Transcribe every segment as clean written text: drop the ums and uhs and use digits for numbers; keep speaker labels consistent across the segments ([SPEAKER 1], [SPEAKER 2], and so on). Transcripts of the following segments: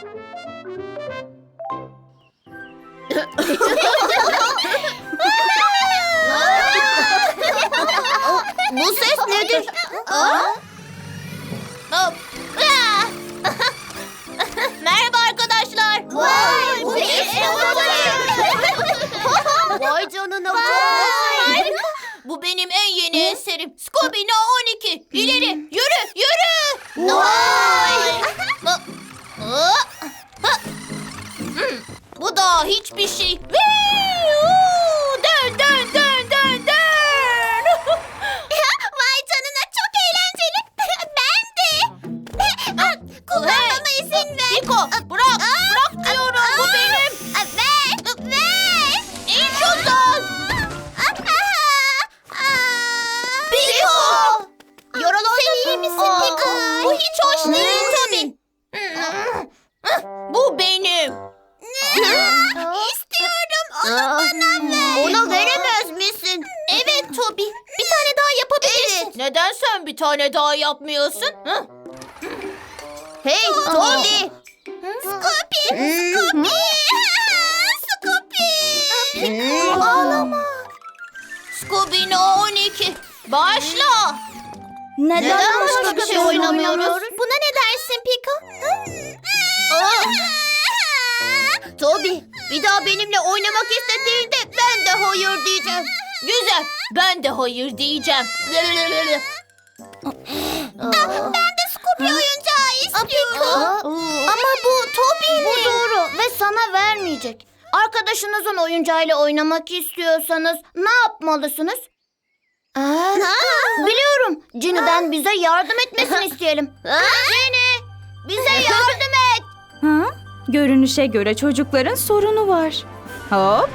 [SPEAKER 1] Bu ses nedir? Merhaba arkadaşlar.
[SPEAKER 2] Vay, bu bir
[SPEAKER 1] Vay canına.
[SPEAKER 2] Harika.
[SPEAKER 1] Bu benim en yeni eserim. Scooby No 12. İleri yürü yürü.
[SPEAKER 2] Vay.
[SPEAKER 1] Bu da hiçbir şey. Dön dön dön dön dön.
[SPEAKER 2] Vay canına, çok eğlenceli. Ben de. Kullanmama izin ver.
[SPEAKER 1] Niko bırak. Bırak diyorum. Bu benim.
[SPEAKER 2] Ver. Ver.
[SPEAKER 1] İn şundan. Piko.
[SPEAKER 2] Yaralandın. Sen iyi misin Piko?
[SPEAKER 1] Bu hiç hoş değil tabii. Bu benim.
[SPEAKER 2] İstiyorum. Onu bana ver.
[SPEAKER 1] Ona veremez misin?
[SPEAKER 2] Evet Toby. Bir tane daha yapabilirsin.
[SPEAKER 1] Neden sen bir tane daha yapmıyorsun? Hı? Hey Toby.
[SPEAKER 2] Scoopy. Scoopy. Scoopy.
[SPEAKER 1] Ağlama. Scooby No 12. Başla.
[SPEAKER 2] Neden
[SPEAKER 1] başka bir şey oynamıyoruz?
[SPEAKER 2] Buna ne dersin Piko?
[SPEAKER 1] Toby, bir daha benimle oynamak istediğinde ben de hayır diyeceğim. Güzel, ben de hayır diyeceğim.
[SPEAKER 2] Ben de Scoopy oyuncağı istiyorum.
[SPEAKER 1] Ama bu Toby'nin. Bu doğru ve sana vermeyecek. Arkadaşınızın oyuncağıyla oynamak istiyorsanız ne yapmalısınız? Biliyorum. Ginny'den bize yardım etmesini isteyelim. Ginny, bize yardım et.
[SPEAKER 3] Ha? Görünüşe göre çocukların sorunu var. Hop.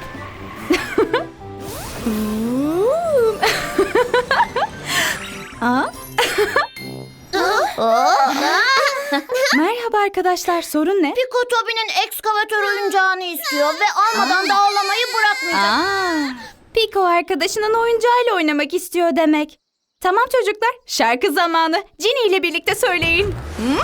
[SPEAKER 3] Ha? Merhaba arkadaşlar, sorun ne?
[SPEAKER 1] Piko Toby'nin ekskavatör oyuncağını istiyor ve almadan da ağlamayı bırakmayacak.
[SPEAKER 3] Piko arkadaşının oyuncağıyla oynamak istiyor demek. Tamam çocuklar, şarkı zamanı. Ginny ile birlikte söyleyin.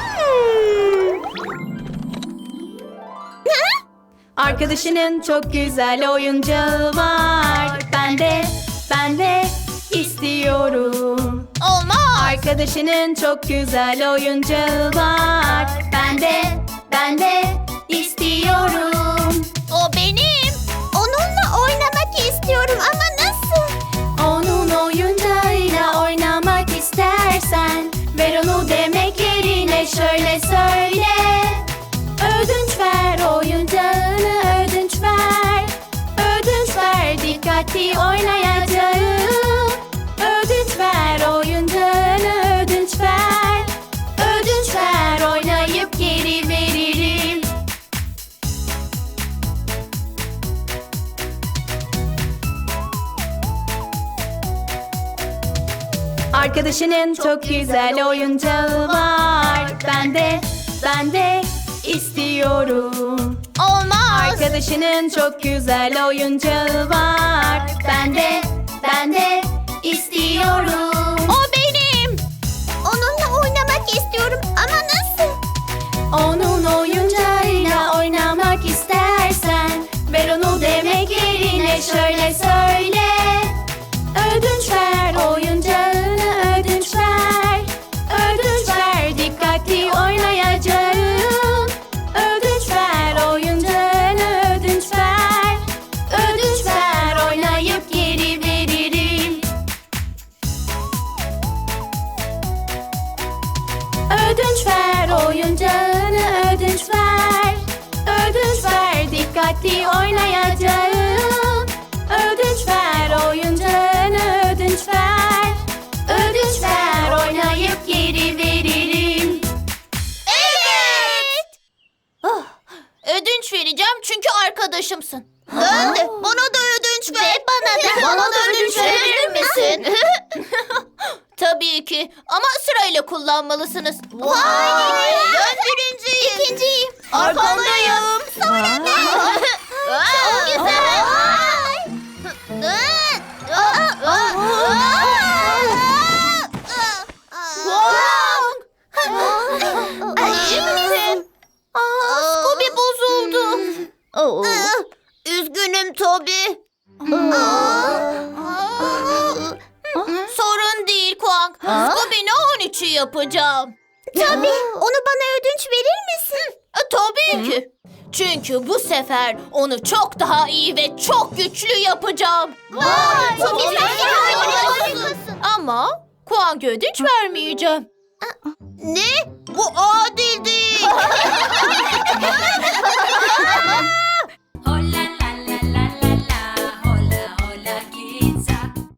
[SPEAKER 3] Arkadaşının çok güzel oyuncağı var. Ben de istiyorum.
[SPEAKER 1] Olmaz.
[SPEAKER 3] Arkadaşının çok güzel oyuncağı var. Ben de istiyorum.
[SPEAKER 1] O benim.
[SPEAKER 2] Onunla oynamak istiyorum ama nasıl?
[SPEAKER 3] Onun oyuncağıyla oynamak istersen ver onu demek yerine şöyle söyle. Ödünç ver oyuncağını, ödünç ver. Ödünç ver, dikkatli oynayacağım. Ödünç ver oyuncağını, ödünç ver. Ödünç ver, oynayıp geri veririm. Arkadaşının çok güzel oyuncağı var. Ben de istiyorum.
[SPEAKER 1] Olmaz.
[SPEAKER 3] Arkadaşının çok güzel oyuncağı var. Ben de istiyorum.
[SPEAKER 1] O benim.
[SPEAKER 2] Onunla oynamak istiyorum ama nasıl?
[SPEAKER 3] Onun oyuncağıyla oynamak istersen ver onu demek yerine şöyle söyle. Ödünç ver oyuncağını, ödünç ver. Ödünç ver, dikkatli oynayacağım. Ödünç ver oyuncağını, ödünç ver. Ödünç ver, oynayıp geri veririm. Ödünç ver oyuncağını, ödünç ver. Ödünç ver, dikkatli oynayacağım. Ödünç ver oyuncağını, ödünç ver. Ödünç ver, oynayıp geri veririm.
[SPEAKER 1] Evet. Ödünç vereceğim çünkü arkadaşımsın. Ben de. Bana da ödünç ver.
[SPEAKER 2] Ve bana da.
[SPEAKER 1] Bana da ödünç verir misin? Tabii ki. Ama sırayla kullanmalısınız.
[SPEAKER 2] Vay!
[SPEAKER 1] Ben birinciyim.
[SPEAKER 2] İkinciyim.
[SPEAKER 1] Arkandayım.
[SPEAKER 2] Sonra ben.
[SPEAKER 1] Çok güzel.
[SPEAKER 2] Ay, iyi misin?
[SPEAKER 1] Aa, Üzgünüm Toby. Sorun değil Kuang. Scooby'nin 13'ü yapacağım.
[SPEAKER 2] Tabii. Onu bana ödünç verir misin?
[SPEAKER 1] Tabii ki. Çünkü bu sefer onu çok daha iyi ve çok güçlü yapacağım.
[SPEAKER 2] Vay,
[SPEAKER 1] Tabii
[SPEAKER 2] çok
[SPEAKER 1] ki.
[SPEAKER 2] harikasın.
[SPEAKER 1] Ama Kuang'a ödünç vermeyeceğim.
[SPEAKER 2] Ne?